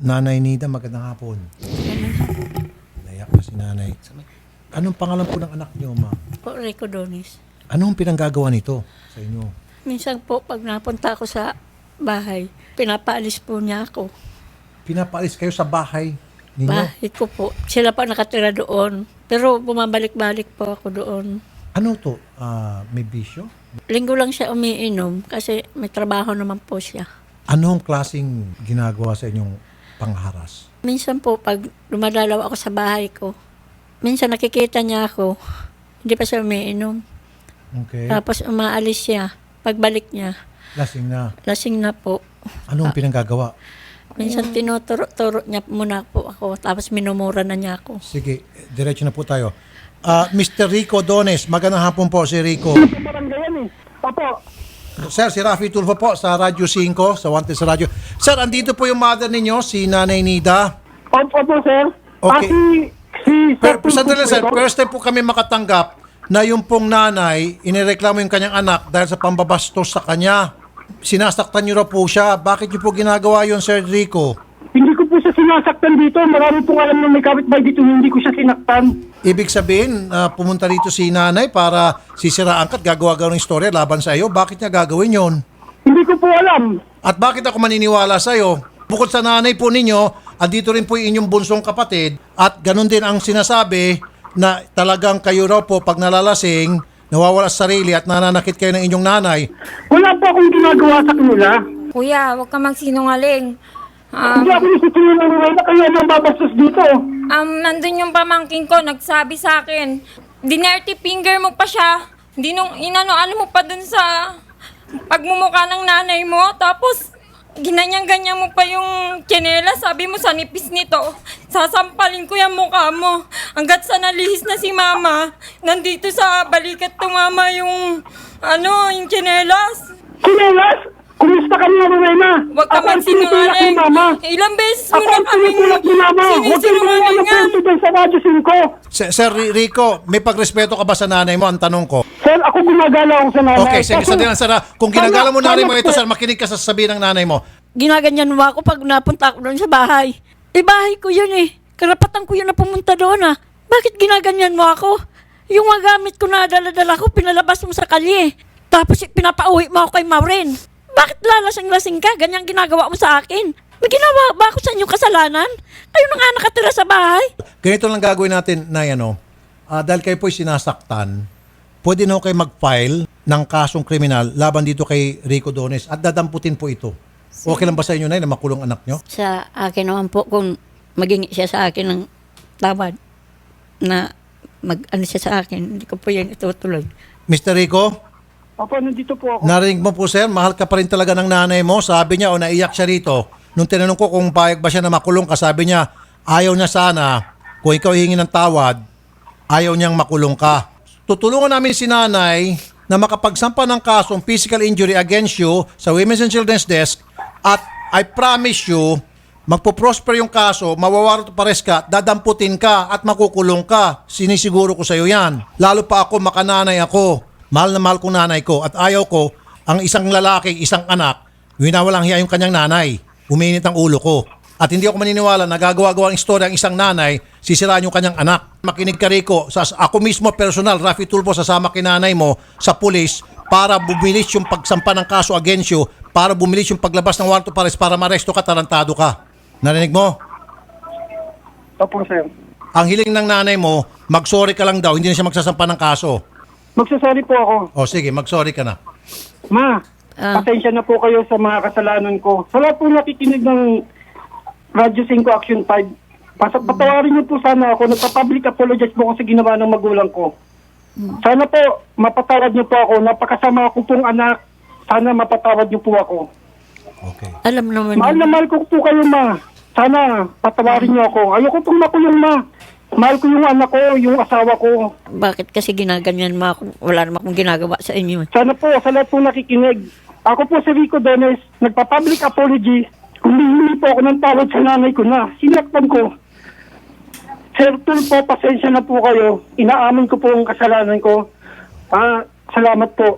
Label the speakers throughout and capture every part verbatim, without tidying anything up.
Speaker 1: Nanay Nida, magandang hapon. Naiyak na si nanay. Anong pangalan po ng anak niyo, ma'am?
Speaker 2: Po, Rico Donis.
Speaker 1: Anong pinanggagawa nito sa inyo?
Speaker 2: Minsan po, pag napunta ako sa bahay, pinapaalis po niya ako.
Speaker 1: Pinapaalis kayo sa bahay ninyo?
Speaker 2: Bahay ko po. Sila pa nakatira doon. Pero bumabalik-balik po ako doon.
Speaker 1: Ano to? Ah, may bisyo?
Speaker 2: Linggo lang siya umiinom kasi may trabaho naman po siya.
Speaker 1: Anong klaseng ginagawa sa inyong pangharas?
Speaker 2: Minsan po, pag dumadalaw ako sa bahay ko, minsan nakikita niya ako, hindi pa siya umiinom.
Speaker 1: Okay.
Speaker 2: Tapos umaalis siya. Pagbalik niya,
Speaker 1: Lasing na.
Speaker 2: lasing na po.
Speaker 1: Anong pinanggagawa?
Speaker 2: Minsan tinuturo-turo niya muna po ako, tapos minumura na niya ako.
Speaker 1: Sige, diretso na po tayo. Ah, Mister Rico Dones, magandang hapon po si Rico.
Speaker 3: Barangay eh. Opo.
Speaker 1: Sir, si Rafi Tulfo po sa Radyo five, sa Wanted sa Radyo. Sir, andito po yung mother ninyo, si Nanay Nida.
Speaker 3: Opo po, sir.
Speaker 1: Okay.
Speaker 3: Ah, si, si,
Speaker 1: Pero,
Speaker 3: Sir
Speaker 1: sandali, sir,
Speaker 3: Tulfo.
Speaker 1: first time po kami makatanggap na yung pong nanay, inireklamo yung kanyang anak dahil sa pambabastos sa kanya. Sinasaktan niyo raw po siya. Bakit niyo po ginagawa yun, Sir Rico?
Speaker 3: Hindi ko po siya sinasaktan dito. Marami pong alam na may kapitbahay dito. Hindi ko siya sinaktan.
Speaker 1: Ibig sabihin, ah, pumunta rito si nanay para sisiraan ka at gagawa-gawa ng istorya laban sa iyo. Bakit niya gagawin yon?
Speaker 3: Hindi ko po alam.
Speaker 1: At bakit ako maniniwala sa iyo? Bukod sa nanay po ninyo, andito rin po yung inyong bunsong kapatid at ganun din ang sinasabi na talagang kayo raw po pag nalalasing, nawawala sa sarili at nananakit kayo ng inyong nanay.
Speaker 3: Wala po akong ginagawa sa kanila.
Speaker 4: Kuya, huwag ka magsinungaling. Um,
Speaker 3: Hindi ako nisipin ng na kayo ang babastos dito.
Speaker 4: um, nandun yung pamangking ko, nagsabi sa akin, dinerty finger mo pa siya. Hindi nung inano-ano mo pa dun sa pagmumukha ng nanay mo. Tapos, ginanyang-ganyan mo pa yung tsinela. Sabi mo sa nipis nito, sasampalin ko yung mukha mo. Hanggat sa nalihis na si mama, nandito sa balikat tumama yung, ano, yung tsinelas.
Speaker 3: Sinelas! Kumusta ka niya, Rowena?
Speaker 4: Huwag ka
Speaker 3: Ako ang tinutulak
Speaker 4: magsinungaling.
Speaker 3: ni Mama.
Speaker 4: Ilang beses mo
Speaker 3: Ako
Speaker 4: na
Speaker 3: ang
Speaker 4: kaming
Speaker 3: tinutulak ni Mama. Huwag kang gumawa ng
Speaker 4: sinisinungalingan.
Speaker 3: kwento dyan sa Radyo five.
Speaker 1: Sir, Sir Rico, may pagrespeto ka ba sa nanay mo? Ang tanong ko.
Speaker 3: Sir, ako gumagala ako sa nanay.
Speaker 1: Okay, sige,
Speaker 3: Kasi-
Speaker 1: sa lang, sir. ah. Kung ginagala mo
Speaker 3: Sana-
Speaker 1: nanay mo
Speaker 3: sana
Speaker 1: ito,
Speaker 3: po-
Speaker 1: sir, makinig ka sa sasabihin ng nanay mo.
Speaker 2: Ginaganyan mo ako pag napunta ako doon sa bahay. Eh, bahay ko yun eh. Karapatan ko yun na pumunta doon ah. Bakit ginaganyan mo ako? Yung mga gamit ko na dala-dala ko, pinalabas mo sa kalye. Tapos eh, pinapauwi mo ako kay Maureen. Bakit lalasing-lasing ka? Ganyan ginagawa mo sa akin. May ginawa ba ako sa inyong kasalanan? Kayo na nga nakatira sa bahay.
Speaker 1: Ganito lang gagawin natin na ano, ah, dahil kayo po'y sinasaktan, pwede na ho kayo mag-file ng kasong kriminal laban dito kay Rico Dones at dadamputin po ito. Okay lang ba sa inyo na na makulong anak nyo?
Speaker 2: Sa akin naman po, kung maging siya sa akin ng tawad na mag-ano siya sa akin, hindi ko po yan itutuloy.
Speaker 1: Mister Rico,
Speaker 3: Opo, nandito po ako.
Speaker 1: narinig mo po sir, mahal ka pa rin talaga ng nanay mo. Sabi niya o naiyak siya rito. Nung tinanong ko kung payag ba siya na makulong ka, sabi niya ayaw niya sana, kung ikaw hihingi ng tawad, ayaw niyang makulong ka. Tutulungan namin si nanay na makapagsampa ng kasong physical injury against you sa Women's and Children's Desk at I promise you, magpo-prosper yung kaso, mawawarot pares ka, dadamputin ka at makukulong ka. Sinisiguro ko sa iyo yan. Lalo pa ako, makananay ako. Mahal na mahal kong nanay ko at ayaw ko ang isang lalaki, isang anak, winawalang hiya yung kanyang nanay. Uminit ang ulo ko. At hindi ako maniniwala na gagawa-gawa ng istorya ang isang nanay, sisiraan yung kanyang anak. Makinig ka Rico, sa, ako mismo personal, Rafi Tulfo, sasama kinanay mo sa pulis para bumilis yung pagsampa ng kaso against you, para bumilis yung paglabas ng warrant of arrest para maresto ka, tarantado ka. Narinig mo?
Speaker 3: Opo, sir.
Speaker 1: Ang hiling ng nanay mo, mag-sorry ka lang daw, hindi na siya magsasampa ng kaso.
Speaker 3: Magsasorry po ako.
Speaker 1: O sige, mag-sorry ka na.
Speaker 3: Ma,
Speaker 2: Ah.
Speaker 3: pasensya na po kayo sa mga kasalanan ko. Sa lahat po nakikinig ng Radyo five Action five, pas- patawarin niyo po sana ako. Nagpa-public apologize po ako sa ginawa ng magulang ko. Sana po, mapatawad niyo po ako. Napakasama ko pong anak. Sana mapatawad niyo po ako.
Speaker 1: Okay.
Speaker 2: Alam naman
Speaker 3: Mahal na mahal ko po kayo, ma. Sana, patawarin niyo ako. Ayoko pong makulong, ma. Mahal ko yung anak ko, yung asawa ko.
Speaker 2: bakit kasi ginaganyan mo ako. Wala naman akong ginagawa sa inyo. eh.
Speaker 3: Sana po, sa lahat po nakikinig. Ako po si Rico Dones, nagpa-public apology. Humihingi po ako ng tawad sa nanay ko na. Sinaktan ko. Sir Tulfo, pasensya na po kayo. Inaamin ko po ang kasalanan ko. Ah, salamat po.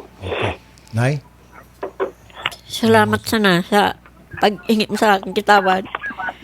Speaker 1: Nay?
Speaker 2: Salamat sana sa pag-ingit mo sa akin kitawad.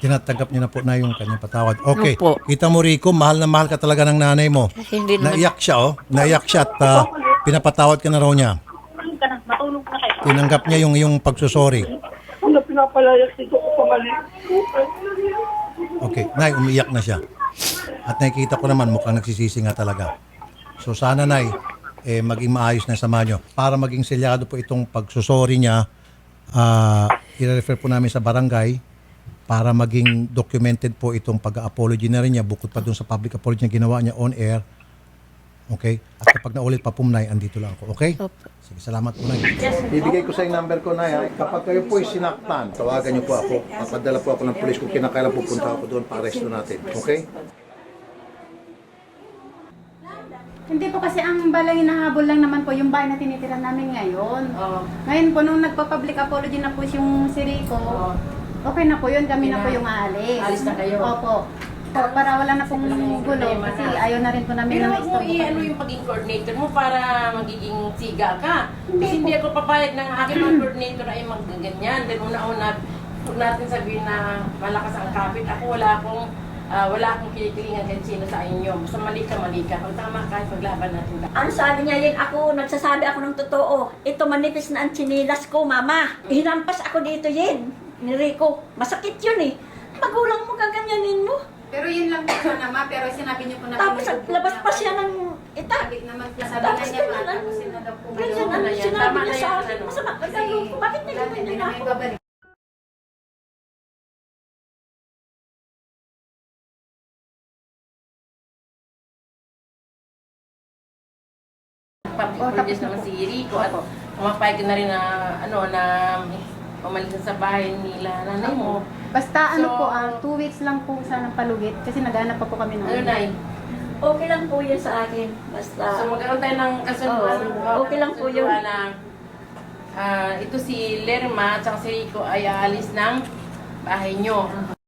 Speaker 1: Tinatanggap niya na po na yung kanyang patawad. Okay.
Speaker 2: Opo.
Speaker 1: Kita mo, Rico, mahal na mahal ka talaga ng nanay mo.
Speaker 2: Hindi naman.
Speaker 1: Naiyak siya, oh. Naiyak siya at ah, pinapatawad ka na raw niya. Tinanggap niya yung yung pagsusori.
Speaker 3: Ano pinapalayas ito ko pamali?
Speaker 1: Okay. Nay, umiyak na siya. At nakikita ko naman, mukhang nagsisisi nga talaga. So sana, Nay, eh, maging maayos na sama nyo. Para maging selyado po itong pagsusori niya, ah, i-refer po namin sa barangay para maging documented po itong pag-apology na rin niya bukod pa dun sa public apology na ginawa niya on air. Okay? At kapag naulit pa po, Nay, andito lang ako. Okay?
Speaker 2: Opo.
Speaker 1: Sige, salamat po, Nay. Bibigay ko sa yung number ko, Nay. ha? Kapag kayo po ay sinaktan, tawagan niyo po ako. Papadala po ako ng pulis kung kinakailan pupunta ako doon para resto natin. Okay?
Speaker 5: Hindi po kasi ang balay hinahabol lang naman po yung bahay na tinitira namin ngayon. Ngayon po, nung nagpa-public apology na po yung si Rico, okay na po yun, kami na po yung aalis.
Speaker 6: Alis na kayo?
Speaker 5: Opo. Po, para wala na pong gulo kasi ayaw na rin po namin
Speaker 6: Pero
Speaker 5: na
Speaker 6: wag mo
Speaker 5: ma-istorbo
Speaker 6: i-ano
Speaker 5: kami.
Speaker 6: yung pagiging coordinator mo para magiging siga ka. Kasi hindi ako papayag ng aking mga coordinator ay magganyan. Dahil una-una, huwag natin sabihin na malakas ang kapit. Ako wala akong ah, wala akong kinikilingan kahit sino sa inyo. Basta mali ka, mali ka. Kung tama ka, paglaban natin.
Speaker 2: Ano sabi niya yun? Ako, nagsasabi ako ng totoo. Ito manipis na ang chinilas ko, mama. Hinampas ako dito yun. Ni Rico. Masakit yun eh. Magulang mo gaganyanin mo.
Speaker 5: Pero yun lang po sana ma, pero sinabi niyo po na
Speaker 2: Tapos labas pa siya ng ita.
Speaker 5: Sabi naman, sabi
Speaker 2: Tapos
Speaker 5: nga niya
Speaker 2: ganyan
Speaker 5: pa,
Speaker 2: ang-
Speaker 5: tapos sino daw po
Speaker 2: Ganyan
Speaker 5: ngayon.
Speaker 2: ang
Speaker 6: na yan.
Speaker 2: sinabi
Speaker 6: Tama
Speaker 2: niya
Speaker 6: na
Speaker 2: sa
Speaker 6: yan,
Speaker 2: akin.
Speaker 6: ano.
Speaker 2: Masama ka
Speaker 5: Kasi
Speaker 2: ko. Bakit
Speaker 5: wala,
Speaker 2: nagawa
Speaker 5: hindi
Speaker 2: niya
Speaker 5: na
Speaker 2: na
Speaker 5: may
Speaker 2: ako?
Speaker 5: babalik.
Speaker 6: Pag-produce naman si Rico at pumapayag ka na rin na, ano, na umalis sa bahay nila nanay mo.
Speaker 5: Basta ano
Speaker 6: So,
Speaker 5: po, ah, two weeks lang po sanang palugit kasi naghanap pa po kami ng
Speaker 6: Ano na
Speaker 2: Okay lang po yun sa akin. Basta.
Speaker 6: So magkaroon tayo ng kasunduan.
Speaker 2: Oo, okay lang po yun.
Speaker 6: kasunduan Na, ah, ito si Lerma at si Rico ay aalis ng bahay nyo.